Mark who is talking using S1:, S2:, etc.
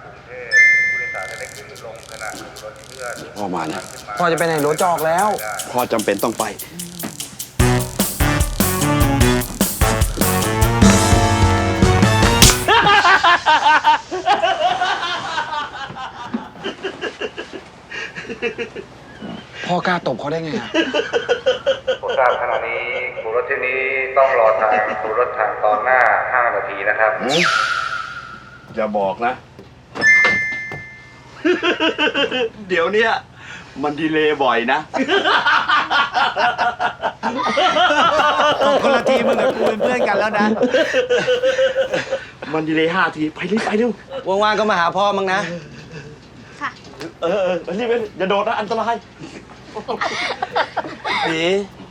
S1: กรุงเทพผู้โดยสารจะได้ขึ้นลงขณะขับรถเพื่อน
S2: พ่อมาเนี่ย
S3: พ่อจะไปไหนรถจะออกแล้ว
S2: พ่อจำเป็นต้องไป
S3: พ่อกล้าตบเขาได้ไงอะ
S1: ผมทราบขณะนี้ครูรถที่นี้ต้องรอทางครูรถทางตอนหน้า5 นาทีนะครับ
S2: อย่าบอกนะ เดี๋ยวเนี้ยมันดีเลย์บ่อยนะ
S4: ตบคนละทีมึงกับกูเป็นเพื่อนกันแล้วนะ
S2: มันดีเลย์5 ที ไปรีบไปเร็ว
S3: ว่างๆก็มาหาพ่อมั้งนะ
S5: ค่ะ
S2: รีบไปอย่าโดดนะ อันตราย
S3: หนี